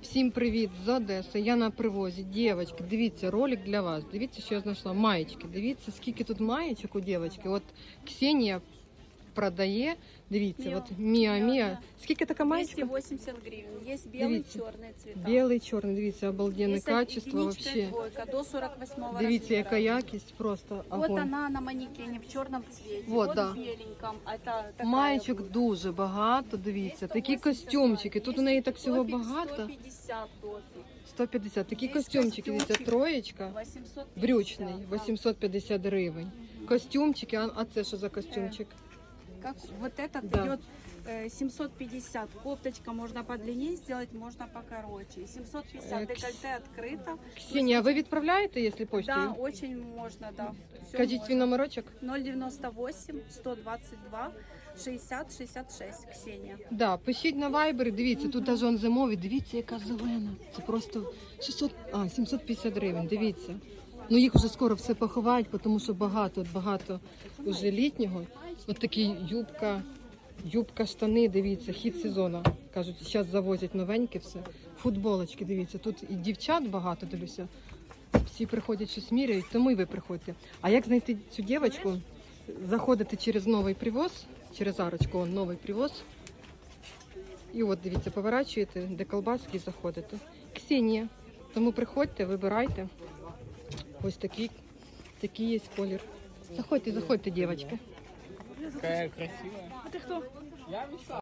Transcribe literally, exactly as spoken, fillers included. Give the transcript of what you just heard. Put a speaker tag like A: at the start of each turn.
A: Всім привіт з Одеси. Я на привозі. Дівчатки, дивіться, ролик для вас. Дивіться, що я знайшла. Маєчки. Дивіться, скільки тут маєчок у дівчатки. От Ксенія продає. Дивіться,
B: Міо.
A: от Міа
B: Міо,
A: Міа.
B: да.
A: Скільки така маєчка?
B: двести восемьдесят гривен. Есть белый,
A: Дивіться.
B: черный цвета.
A: Білий, чорний. Дивіться, обалденне
B: Есть
A: качество
B: единичка и
A: вообще.
B: двойка до сорок восьмого
A: Дивіться,
B: размера.
A: яка якість, просто
B: Вот
A: огонь.
B: она на манекене в черном цвете.
A: Вот,
B: Вот,
A: да.
B: в беленьком. Это такая
A: Маєчок
B: будет.
A: дуже багато, дивіться. Такі
B: сто восемьдесят
A: костюмчики. Тут у неї так всього
B: топик,
A: багато.
B: сто пятьдесят топик.
A: сто п'ятдесят. Такі
B: Є
A: костюмчики, дивіться,
B: костюмчик.
A: троєчка.
B: восемьсот пятьдесят,
A: Брючний,
B: да.
A: вісімсот п'ятдесят гривень. Костюмчики, а, а це що за костюмчик?
B: Как вот этот
A: Да.
B: идет э, семьсот пятьдесят. Кофточка можно подлиннее сделать, можно покороче. семьсот пятьдесят.
A: Э,
B: Декольте открыто.
A: Ксенія, а ви відправляєте, якщо
B: Да,
A: почтою?
B: очень можно, да. Всё
A: Кажіть
B: можно.
A: свій номерочок.
B: ноль девяносто восемь сто двадцать два шестьдесят шестьдесят шесть. Ксения.
A: Да, пишіть на Viber, дивіться, тут навіть он зимовий, дивіться, яка зелена. Це просто шістсот, а, сімсот п'ятдесят гривень, дивіться. Ну їх вже скоро все поховають, тому що багато, багато вже літнього. От такі юбка, юбка, штани, дивіться, хід сезону. Кажуть, зараз завозять новеньке все. Футболочки, дивіться, тут і дівчат багато, дивлюся. Всі приходять, щось міряють, тому і ви приходьте. А як знайти цю дівчинку? Заходите через новий привоз, через арочку, он новий привоз. І от, дивіться, поворачуєте, де колбаски, і заходите. Ксенія. Тому приходьте, вибирайте. Ось такий, такий є колір. Заходьте, заходьте, дівчатки.
C: Какая красивая.
B: А ты кто?
C: Я Вячеслав.